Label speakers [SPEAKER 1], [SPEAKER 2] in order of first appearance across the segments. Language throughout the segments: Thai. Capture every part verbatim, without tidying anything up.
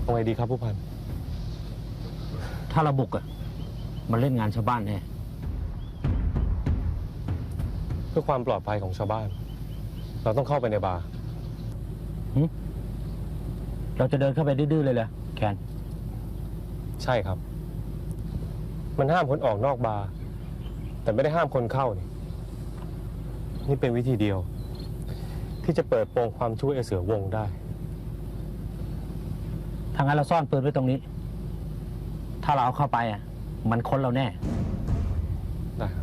[SPEAKER 1] เอาไงดีครับผู้พัน
[SPEAKER 2] ถ้าเราบุกอะมันเล่นงานชาวบ้านแน่
[SPEAKER 1] เพื่อความปลอดภัยของชาวบ้านเราต้องเข้าไปในบาร์
[SPEAKER 2] เราจะเดินเข้าไปดื้อๆเลยเหรอแคน
[SPEAKER 1] ใช่ครับมันห้ามคนออกนอกบาร์แต่ไม่ได้ห้ามคนเข้านี่นี่เป็นวิธีเดียวที่จะเปิดโปงความชั่วไอ้เสือวงได้
[SPEAKER 2] ทางนั้นเราซ่อนปืนไว้ตรงนี้ถ้าเราเอาเข้าไปอ่ะมันค้นเราแน่
[SPEAKER 1] ได้ครับ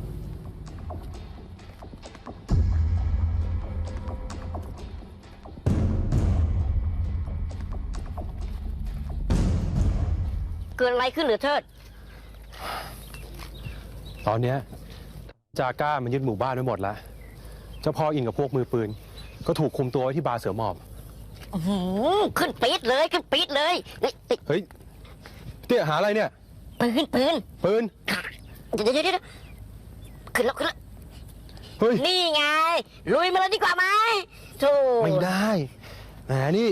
[SPEAKER 3] เกิดอะไรขึ้นหรือเทิด
[SPEAKER 1] ตอนนี้จาก้ามันยึดหมู่บ้านไว้หมดแล้วเจ้าพ่ออินกับพวกมือปืนก็ถูกคุมตัวไว้ที่บาร์เสือหมอบ
[SPEAKER 3] ขึ้นปี๊ดเลยขึ้นปี๊ดเลย
[SPEAKER 1] เฮ้ยเตี้ยหาอะไรเนี่ย
[SPEAKER 3] ปืนปืน
[SPEAKER 1] ปืน
[SPEAKER 3] เดี๋ยวเดี๋ยวขึ้นแล้วขึ้นแล้ว
[SPEAKER 1] เฮ้ย
[SPEAKER 3] นี่ไงลุยมาเลยดีกว่าไหมโธ่
[SPEAKER 1] ไม่ได้แหมนี่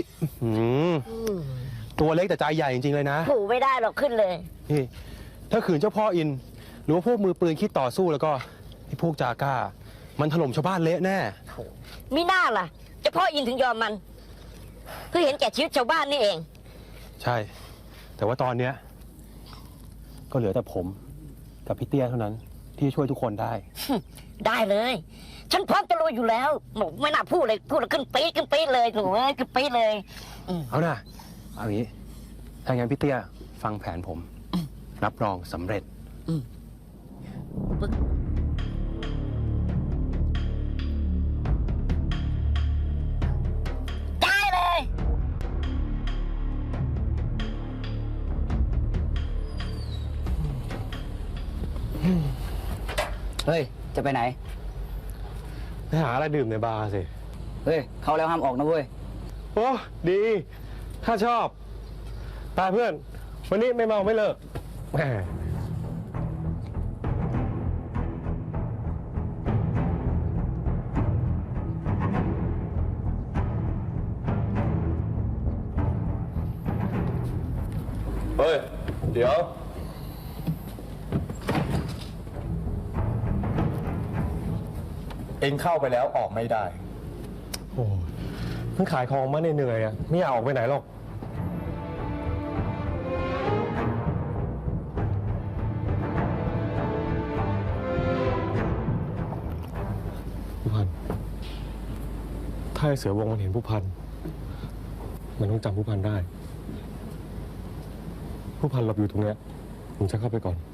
[SPEAKER 1] ตัวเล็กแต่ใจใหญ่จริงๆเลยนะ
[SPEAKER 3] ผูไม่ได้หรอกขึ้นเลย
[SPEAKER 1] นี่ถ้าขืนเจ้าพ่ออินหรือว่าพวกมือปืนคิดต่อสู้แล้วก็ไอ้พวกจาก้ามันถล่มชาวบ้านเละแน่
[SPEAKER 3] มิน่าล่ะเจ้าพ่ออินถึงยอมมันเพื่อเห็นแก่ชีวิตชาวบ้านนี่เอง
[SPEAKER 1] ใช่แต่ว่าตอนเนี้ยก็เหลือแต่ผมกับพี่เตี้ยเท่านั้นที่ช่วยทุกคนได้
[SPEAKER 3] ได้เลยฉันพร้อมจะลุยอยู่แล้วหนูไม่น่าพูดเลยพูดแล้วขึ้นปี๊ดขึ้นปี๊ดเลยหนูขึ้นปี๊ดเลย
[SPEAKER 1] เอาน่ะเอาอย่างนี้ถ้างั้นพี่เตี้ยฟังแผนผมรับรองสำเร็จ
[SPEAKER 3] ได้เลย
[SPEAKER 4] เฮ้ยจะไปไหน
[SPEAKER 1] ไปหาอะไรดื่มในบาร์สิ
[SPEAKER 4] เฮ้ยเข้าแล้วห้ามออกนะเว้ย
[SPEAKER 1] โอ้ดีข้าชอบตายเพื่อนวันนี้ไม่เมาไม่เลิกแหม
[SPEAKER 5] เฮ้ยเดี๋ยวเอ็งเข้าไปแล้วออกไม่ได้
[SPEAKER 1] โอ้เพิ่งขายของมาเหนื่อยๆอ่ะไม่อยากออกไปไหนหรอกผู้พันถ้าไอ้เสือวงมันเห็นผู้พันมันต้องจำผู้พันได้ผู้พันหลบอยู่ตรงเนี้ยผมจะเข้าไปก่อน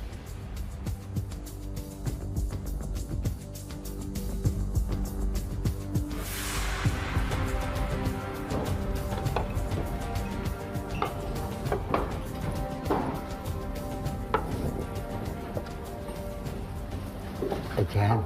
[SPEAKER 4] ไอ้แคน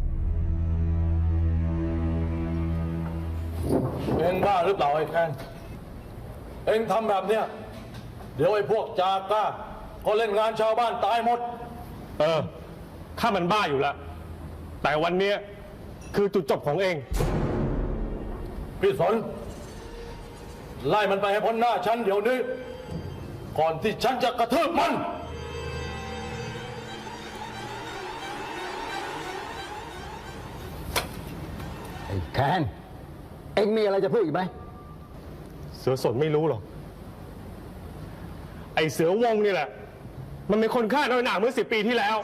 [SPEAKER 5] เอ็งบ้าหรือเปล่าไอ้แคนเอ็งทำแบบเนี้ยเดี๋ยวไอ้พวกจาก้าก็เล่นงานชาวบ้านตายหมด
[SPEAKER 1] เออข้ามันบ้าอยู่แล้วแต่วันนี้คือจุดจบของเอง
[SPEAKER 5] พี่สนไล่มันไปให้พ้นหน้าฉันเดี๋ยวนี้ก่อนที่ฉันจะกระทืบมัน
[SPEAKER 4] ไอ้แคนเอ็งมีอะไรจะพูดอีกไหม
[SPEAKER 1] เสือสนไม่รู้หรอกไอเสือวงนี่แหละมันเป็นคนฆ่าน้อยหนาเมื่อสิบปีที่แล้ว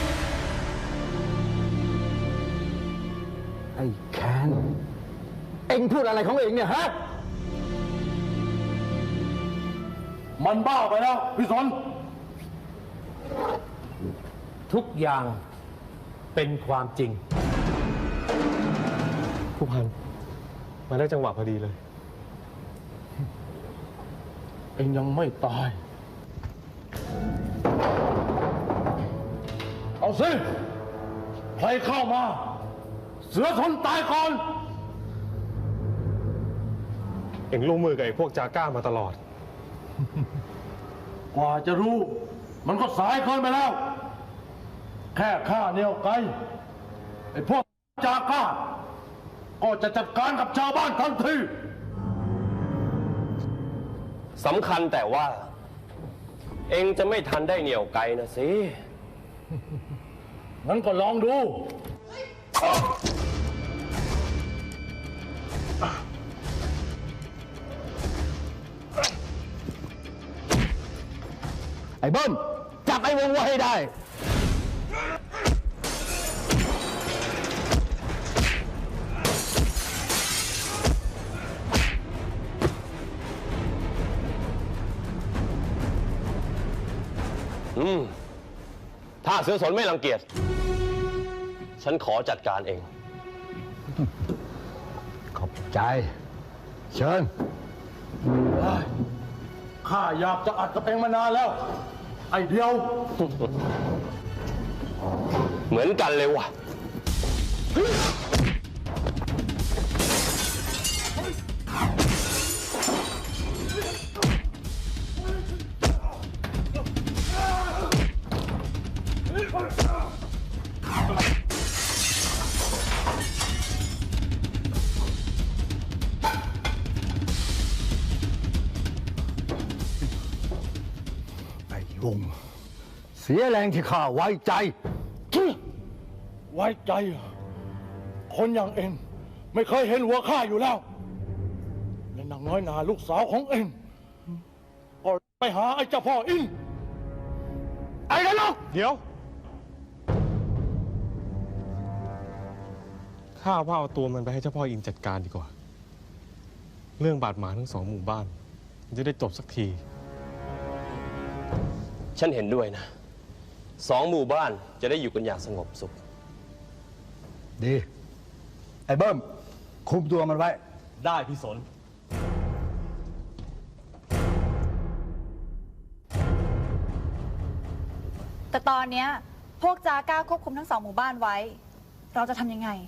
[SPEAKER 4] ไอ้แคนเอ็งพูดอะไรของเอ็งเนี่ยฮะ
[SPEAKER 5] มันบ้าไปแล้วพี่สน
[SPEAKER 2] ทุกอย่างเป็นความจริง
[SPEAKER 1] ผู้พันมาได้จังหวะพอดีเลย
[SPEAKER 5] เอ็งยังไม่ตายเอาสิใครเข้ามาเสือทนตายก่อน
[SPEAKER 1] เอ็งร่วมมือกับไอ้พวกจาก้ามาตลอด
[SPEAKER 5] กว่าจะรู้มันก็สายเกินไปแล้วแค่ข้าเหนี่ยวไกลไอ้พวกจาก้าก็จะจัดการกับชาวบ้านทันที
[SPEAKER 1] สำคัญแต่ว่า เองจะไม่ทันได้เหนี่ยวไกลนะสิ
[SPEAKER 5] งั้นก็ลองดู
[SPEAKER 4] ไอ้เบิ้มจับไอ้วงไว้ให้ได้
[SPEAKER 1] อืม ถ้าเสือสนไม่รังเกียจ ฉันขอจัดการเอง
[SPEAKER 4] ขอบใจ เชิญ
[SPEAKER 5] ข้าอยากจะอัดกับเองมานานแล้ว ไอ้เดียว
[SPEAKER 1] เหมือนกันเลยว่ะ
[SPEAKER 4] ไอ้วง เสียแรงที่ข้าไว้ใจ
[SPEAKER 5] ไว้ใจเหรอคนอย่างเองไม่เคยเห็นหัวข้าอยู่แล้ว และนางน้อยนาลูกสาวของเองก็ไปหาไอ้เจ้าพ่ออิน ไอ้นรก
[SPEAKER 1] เดี๋ยว ข้าว่าเอาตัวมันไปให้เจ้าพ่ออินจัดการดีกว่า เรื่องบาดหมางทั้งสองหมู่บ้านมันจะได้จบสักที ฉันเห็นด้วยนะ สองหมู่บ้านจะได้อยู่กันอย่างสงบสุข
[SPEAKER 4] ดี ไอ้เบิ้ม คุมตัวมันไว้
[SPEAKER 1] ได้พี่สน
[SPEAKER 6] แต่ตอนเนี้ยพวกจาก้าควบคุมทั้งสองหมู่บ้านไว้ เราจะทำยังไง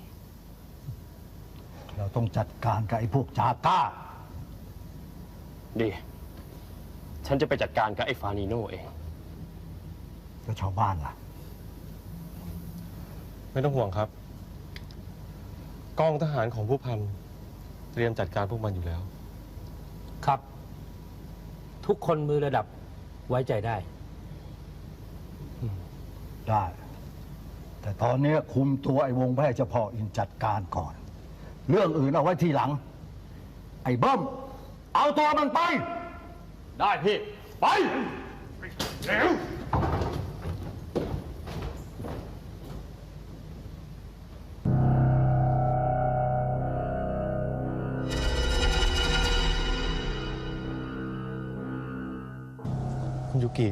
[SPEAKER 4] เราต้องจัดการกับไอ้พวกจาก้า
[SPEAKER 1] ดี ฉันจะไปจัดการกับไอ้ฟานิโนเอง
[SPEAKER 4] แล้วชาวบ้านล่ะ
[SPEAKER 1] ไม่ต้องห่วงครับ กองทหารของผู้พันเตรียมจัดการพวกมันอยู่แล้ว
[SPEAKER 2] ครับ ทุกคนมือระดับไว้ใจได้
[SPEAKER 4] ได้ แต่ตอนนี้คุมตัวไอ้วงแพร่เฉพาะอินจัดการก่อน เรื่องอื่นเอาไว้ทีหลัง ไอ้เบิ้ม เอาตัวมันไป
[SPEAKER 1] ได้พี่
[SPEAKER 5] ไปเร็ว
[SPEAKER 1] คุณยูกิ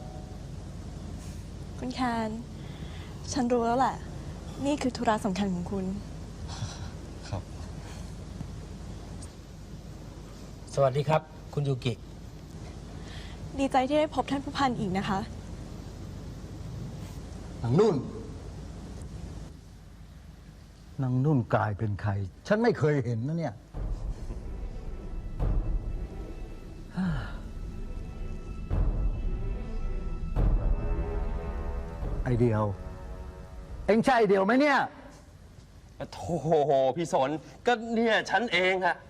[SPEAKER 7] คุณแคน ฉันรู้แล้วแหละ นี่คือธุระสำคัญของคุณ
[SPEAKER 1] ครับ
[SPEAKER 2] สวัสดีครับ คุณยูกิ
[SPEAKER 7] ดีใจที่ได้พบท่านผู้พันอีกนะคะ
[SPEAKER 4] นางนุ่น นางนุ่นกลายเป็นใคร ฉันไม่เคยเห็นนะเนี่ย ไอเดียว เอ็งใช่ไอเดียวไหมเนี่ย
[SPEAKER 1] โธ่พี่สน ก็เนี่ยฉันเองอะ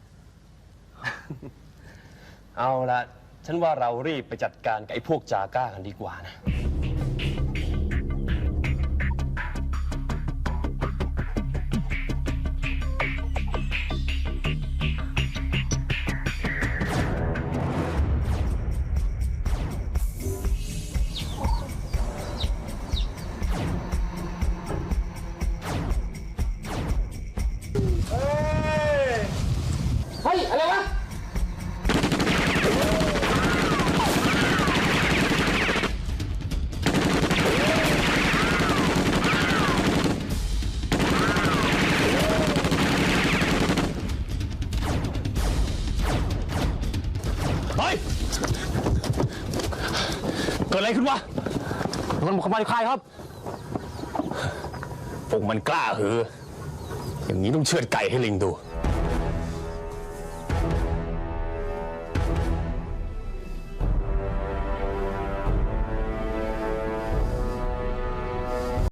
[SPEAKER 1] เอาละฉันว่าเรารีบไปจัดการกับไอ้พวกจาก้ากันดีกว่านะ
[SPEAKER 4] เฮ้ย อะไรวะ
[SPEAKER 1] เฮ้ย เกิดอะไรขึ้นวะ มันขโมยใครครับ พวกมันกล้าหือ อย่างนี้ต้องเชือดไก่ให้ลิงดู